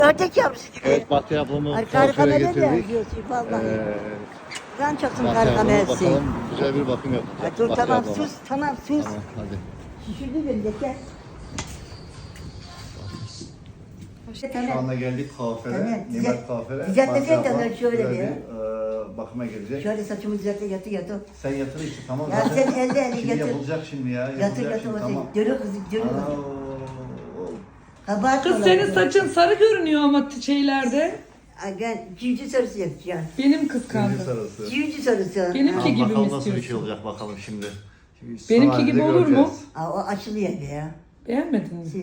Ördek yavrusu gibi. Evet, Bahtiyar ablamı Harika kuaföre ne getirdik. diyorsun vallahi. Ben çaktım Bahtiyar harika ablamı mersi. bakalım güzel bir bakım yapacak. Dur Bahtiyar tamam ablama. sus tamam sus. Tamam hadi. Şişirdi beni de gel. Şu anda geldik kuaföre. Evet, Nimet kuaföre. düzeltme Bahtiyar sen de ablam şöyle güzel bir. bakıma gelecek. Şöyle saçımı düzeltle yatı. Sen yatır işte tamam. Ya zaten. sen elde Şimdi yatır. yapılacak şimdi ya. Yatır Yapılacak yatır şimdi bakayım. tamam. Görüyor kızım görüyor Aa, kızım. oo. Kabahat Kız olan senin kız. saçın sarı görünüyor ama şeylerde. Ay ben civciv sarısı yapacağım. Benim Şimdi kıskandım. sarısı. Civciv sarısı. Benimki Tamam, gibi mi bakalım nasıl bir istiyorsun? şey olacak bakalım şimdi. Benimki Son gibi halinde olur mu? göreceğiz. Aa, o açılıyor ya. Beğenmedin mi?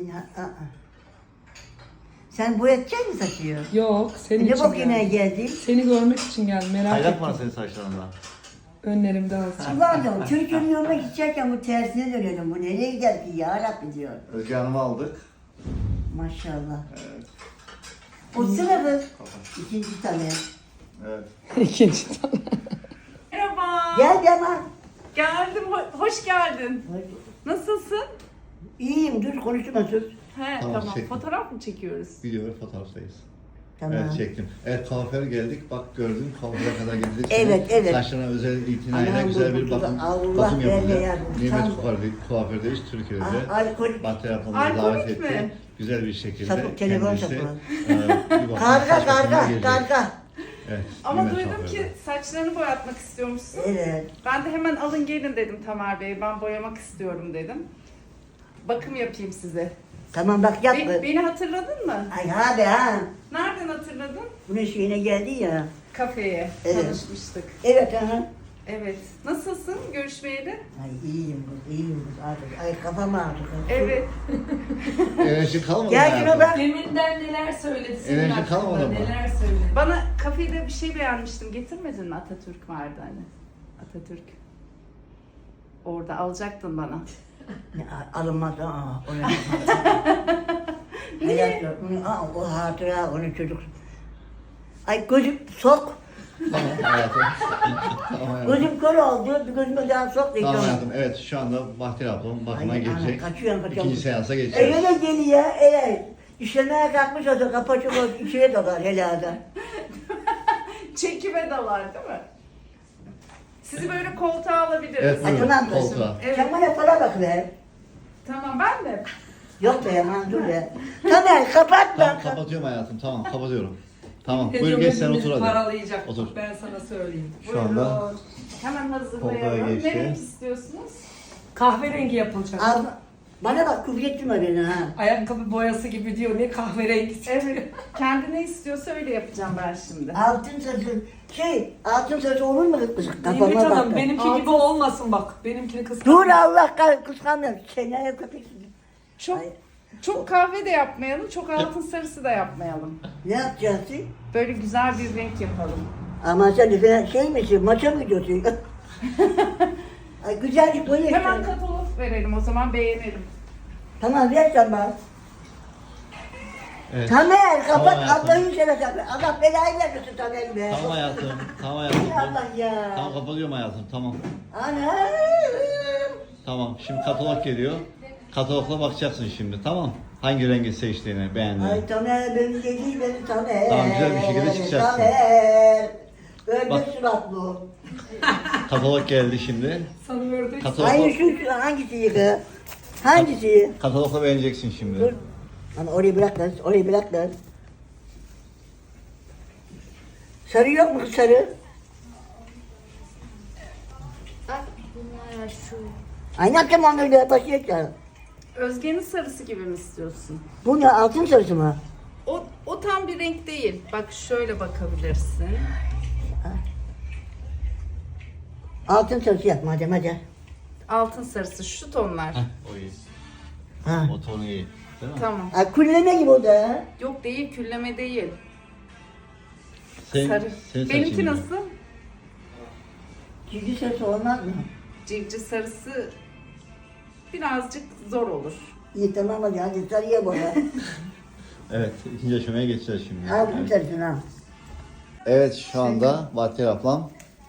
Sen boyatacak mısın saçıyor? Yok, senin Ne için bok yine geldim. geldi? Seni görmek için geldim, merak Kaynak var ettim. senin saçlarında. Önlerimde azıcık. Ulan Türkiye'nin yoluna gidecekken bu tersine dönelim. Bu nereye gider ki ya Rabbi diyor. Özge Hanım'ı aldık. Maşallah. Evet. O sınıfı ikinci tane. Evet. İkinci tane. Merhaba. Gel Yaman. Geldim. Hoş geldin. Nasılsın? İyiyim dur konuşma sus. He Tamam, tamam. çektim. Fotoğraf mı çekiyoruz? Video ve fotoğraftayız. Tamam. Evet çektim. Evet kuaföre geldik. Bak gördün kuaföre kadar geldik. Evet. Saçlarına özel itinayla Anam, güzel bu bir bakım Allah verme yapılacak. ya. Nimet Tam- kuafördeyiz Türkiye'de. Alkol. Bahtiyar ablamızı Alkolik davet etti. mi? Güzel bir şekilde Sapık, telefon kendisi, sapık. bir bakım Karga saç bakımına gelecek. karga. Evet, Ama Nimet duydum kuaförde. ki saçlarını boyatmak istiyormuşsun. Evet. Ben de hemen alın gelin dedim Tamer Bey. Ben boyamak istiyorum dedim. Bakım yapayım size. Tamam bak yapma. Beni hatırladın mı? Ay abi ha. Nereden hatırladın? Bunun şeyine geldi ya. Kafeye Evet. tanışmıştık. Evet ha. Evet. Nasılsın görüşmeyeli? Ay iyiyim kız artık. Ay kafam ağrıdı. Evet. Enerji kalmadı Gel hayatım. şuna bak. Deminden neler söyledi senin Enerji hakkında, kalmadı mı? neler söyledi. Bana kafede bir şey beğenmiştim. Getirmedin mi? Atatürk vardı hani. Atatürk. Orada alacaktın bana. Alınmaz aa. Niye? O hatıra onun çocuk. Ay gözüm sok. Tamam hayatım. Tamam hayatım. Gözüm kör oldu. Bir gözüme daha sok diyeceğim. Tamam hayatım. Evet şu anda Bahtiyar ablam bakıma Ay, gelecek. ana, kaçıyorum. İkinci seansa geçeceğiz. Öyle geliyor. Evet. İşlemeye kalkmış olsa kapacık olsa içine dolar helada. Çekime dalar değil mi? Sizi böyle koltuğa alabiliriz. Evet Ay buyurun tamam. koltuğa. Evet. Sen bana para bak be. Tamam ben de. Yok be aman dur be. Tamer kapat Tamam bak. kapatıyorum hayatım. Tamam kapatıyorum. Tamam buyur Ediyorum, geç sen hepimizi otur hadi. paralayacak. Otur. Ben sana söyleyeyim. Şu anda Buyurun. Hemen koltuğa hazırlayalım. geçti. Ne renk istiyorsunuz? Kahverengi yapılacak. Al, bana bak küfretme beni ha. Ayakkabı boyası gibi diyor, ne kahverengi. Evet. Kendi ne istiyorsa öyle yapacağım ben şimdi. Altın saçı altın saçı olur mu kız? Nimet Kafama bak. Hanım, benimki gibi olmasın bak. Benimkini Dur kıskanma. Allah kıskanmıyor. Çeneye köpeksin. Çok Ay. çok kahve de yapmayalım, çok altın sarısı da yapmayalım. Ne yapacaksın? Böyle güzel bir renk yapalım. Ama sen de şey misin? Maça mı gidiyorsun? Ay güzelce boya Hemen işte. katalog verelim o zaman beğenelim. Tamam ver sen bana. Evet. Tamer kapat Tamam hayatım. Allah'ın seversen. Allah belayı vermesin Tamer be. Tamam hayatım. Tamam hayatım. Allah ya. Tamam kapatıyorum hayatım. Tamam. Anam. Tamam. Şimdi katalog geliyor. Katalogla bakacaksın şimdi. Tamam. Hangi rengi seçtiğini beğendiğini. Ay Tamer beni dedi beni Tamer. Tamam, güzel bir şekilde çıkacaksın. Tamer. Ördek Bak. suratlı. Katalog geldi şimdi. Sana ördek. Hayır şu hangisi yıkı? Hangisi? Katalogla beğeneceksin şimdi. Dur. Ama orayı bırak lan, orayı bırak lan. Sarı yok mu kız sarı? Bunlar şu. Ay ne yapacağım onları başlayacağım. Özge'nin sarısı gibi mi istiyorsun? Bu ne altın sarısı mı? O tam bir renk değil. Bak şöyle bakabilirsin. Altın sarısı yap madem hadi. Altın sarısı şu tonlar. O iyi. Ha. O tonu iyi. Değil mi? Tamam. Ay kulleme gibi o da. ha. Yok değil, külleme değil. Senin, Sarı. senin saçın Benimki gibi. nasıl? Civciv sarısı olmaz mı? Civciv sarısı birazcık zor olur. İyi tamam hadi sarıya boya. Evet. ikinci aşamaya geçeceğiz şimdi. Altın Evet. sarısını al. Evet şu anda Bahtiyar ablam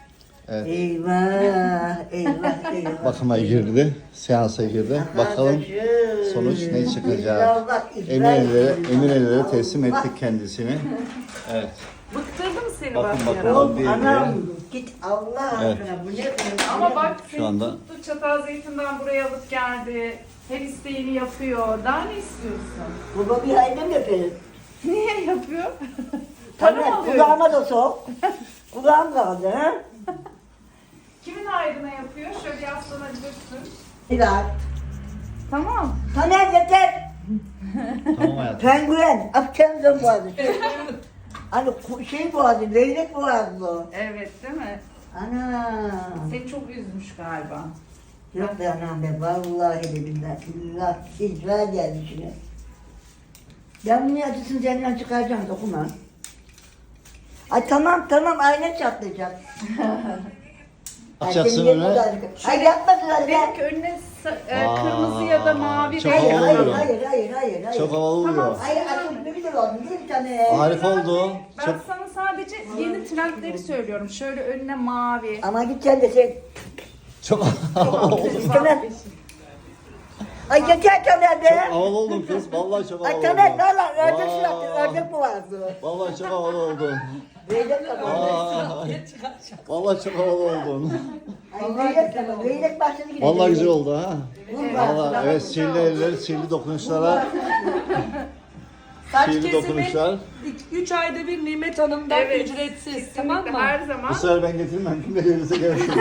Evet. Eyvah, eyvah, eyvah. Bakıma girdi. Seansa girdi. Bakalım sonuç ne çıkacak. Emin ellere teslim ettik kendisini. Evet. Bıktırdım seni Bakın Bahtiyar bakalım. abla. Oğlum anam git Allah Evet. aşkına bu ne? Ama bak Şu seni anda- tuttu Çatalzeytin'den buraya alıp geldi. Her isteğini yapıyor. Daha ne istiyorsun? Baba bir aydın yapıyor. Niye yapıyor? Para mı Tabii alıyor? kulağıma da sok. Kulağım kaldı ha. Kimin ayrına yapıyor? Şöyle yaslanabilirsin. Biraz. Tamam. Taner yeter. Tamam hayatım. Penguen. Akçamızın boğazı. Hani şey boğazı, leylek boğazı. Evet değil mi? Ana. Seni çok üzmüş galiba. Yok be anam be. Vallahi de billahi. İllah. İcra geldi şimdi. Ben bunu acısını senden çıkaracağım. Dokuma. Ay tamam ayna çatlayacak. Açacaksın Ay, senin öyle. Ay yapmasın öyle. Benimki önüne Aa, kırmızı ya da mavi çok Hayır, havalı hayır, oluyor. hayır. Çok havalı oluyor. Hayır, açık bir güzel oldu değil mi tane? Harika oldu. Ben Çok sana sadece yeni trendleri söylüyorum. Şöyle önüne mavi. Ama git sen de sen. çok havalı oldu. İstemem. Ay yeter Taner be. Havalı oldun kız. Vallahi çok havalı Ay oldun. Taner valla ördek Vay. suratlı, ördek boğazlı. Vallahi çok havalı oldun. Leylek kapalı. Vallahi çok havalı oldun. Ay leylek kapalı, leylek başladı yine. Vallahi güzel oldu ha. Vallahi. Vallahi evet sihirli eller, sihirli dokunuşlara, Saç sihirli kesimi dokunuşlar. 3 ayda bir Nimet Hanım'dan Evet. ücretsiz. Tamam mı? Her zaman. Bu sefer ben getirmem. Kim de gelirse gelsin.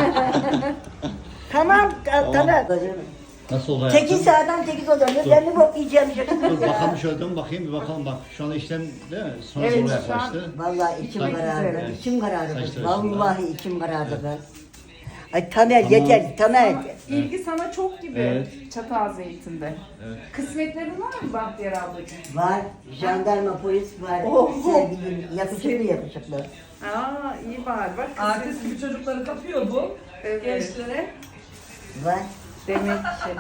Tamam Taner. Nasıl oldu 8 saatten 8 oluyor. Ben de bok yiyeceğim işte. Dur bakalım şöyle dön bakayım bir bakalım bak. Şu anda işlem değil mi? Sonra Evet, sonra şu an- yaklaştı. Vallahi içim Saç- karardı. Evet. İçim karardı. Saçlar Vallahi içim karardı kız. Ay Taner yeter Taner. İlgi sana çok gibi Evet. Çatalzeytin'de. Evet. Kısmetlerin var mı Bahtiyar ablacığım? Var. Jandarma polis var. Sevgilim. Yakışıklı. Aa iyi bari bak. Artist gibi çocukları kapıyor bu. Evet. Gençlere. Var. Demek ki.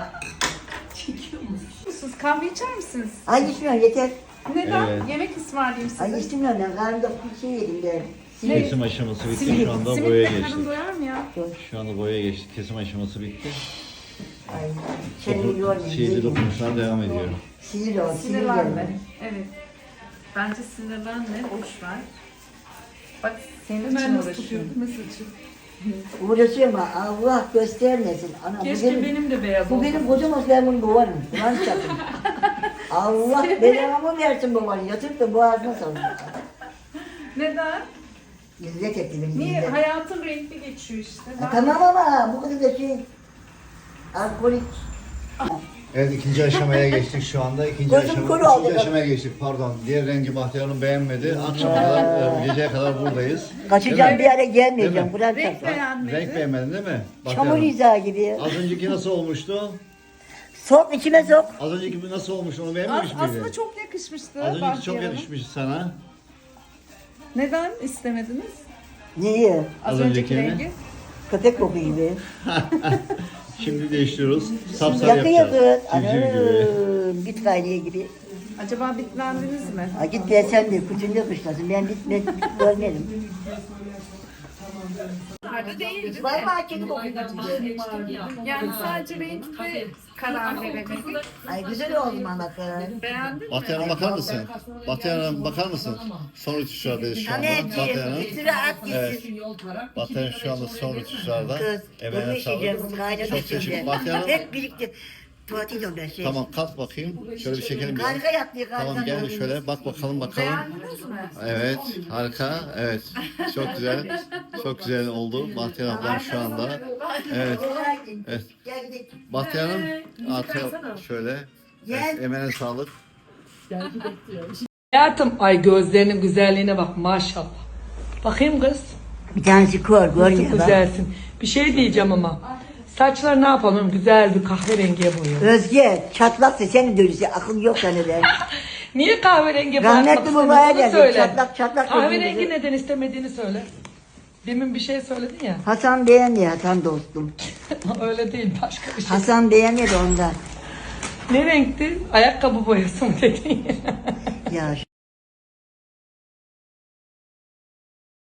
Siz kahve içer misiniz? Ay içmiyorum yeter. Neden? Evet. Yemek ısmarlayayım size. Ay içmiyorum ben. Karnımda bir şey yedim de. Kesim aşaması bitti. Simit, Şu anda boyaya simitle karın geçtik. doyar mı ya? Şu anda boyaya geçtik. Kesim aşaması bitti. Ay seni yormayayım. Sihirli dokunuşlar devam ediyor. Sinir ol. Sinir Sinirlenme. gelme. Evet. Bence sinirlenme. Boş ver. Bak senin için Hemen nasıl uğraşıyorum. tutuyor? Nasıl tutuyor? Uğraşıyorum ama Allah göstermesin. Ana, Keşke benim de beyaz Bu olsa. benim kocam olsa ben bunu boğarım. Ulan çapım. Allah belamı versin babanı. Yatırıp da boğazına salın. Neden? İzzet ettim. Niye? İzzet. Hayatın renkli geçiyor işte. Tamam ama bu kadar da şey alkolik. Evet ikinci aşamaya geçtik şu anda. Gözüm kuru oldu. İkinci aşamaya geçtik pardon. Diğer rengi Bahtiyar'ın beğenmedi. Akşama kadar, geceye kadar buradayız. Kaçacağım bir yere Değil gelmeyeceğim. mi? Burak Renk çapı. beğenmedi. Renk beğenmedin değil mi? Çamur Bahtiyar'ın? izahı gibi. Az önceki nasıl olmuştu? Sok içime sok. Az önceki nasıl olmuş onu beğenmemiş miydin? Aslında çok yakışmıştı. Az önceki çok Bahtiyar Hanım. yakışmış sana. Neden istemediniz? Niye? Az Az önceki öncekini? rengi. Köpek koku gibi. Şimdi değiştiriyoruz. Sapsarı Yakı yapacağız. yakı. Civciv gibi. Anam. Bit kaynıyor gibi. Acaba bitlendiniz mi? Ha git be sen de kucunda kışlasın. Ben bit görmedim. Vallahi kedi kokuyor. Yani sadece renkte karar veremedik. Ay güzel oldu ama kız. Beğendin mi? Bahtiyar'a bakar mısın? Bahtiyar'a bakar mısın? Son rütuşlardayız şu anda. Bahtiyar'ın. Tanerciğim, at Evet. gitsin. Bahtiyar'ın şu anda son rütuşlarda. Kız, Emeğine bunu işleyeceğim, sağlık. kaynadı Çok teşekkür şimdi. Bahtiyar'ın. Hep birlikte tuvalete gidiyorum ben şey. Tamam kalk bakayım. Şöyle bir çekelim bir. Harika yaptı, harika. Tamam gel şöyle bak bakalım bakalım. Beğendiniz mi? Evet harika. Evet çok güzel. Çok güzel oldu. Bahtiyar ablam şu anda. Evet. Evet. Gel gidelim. Bahtiyar'ın artı şöyle. Gel. Evet, emeğine sağlık. Hayatım ay gözlerinin güzelliğine bak maşallah. Bakayım kız. Bir tanesi kör, Çok görmüyor bak. güzelsin. Bir şey diyeceğim ama. Saçları ne yapalım? Güzel bir kahverengiye boyayalım. Özge, çatlaksın seni dönüşü, akıl yok sende. Niye kahverengi Rahmetli boyatmak babaya istemiyorsun? geldi, Söyle. çatlak çatlak Kahverengi gözümüzü. neden istemediğini söyle. Demin bir şey söyledin ya. Hasan beğendi, Hasan dostum. Öyle değil başka bir şey. Hasan beğenmedi ondan. Ne renkti? Ayakkabı boyası mı dedin ya? Ya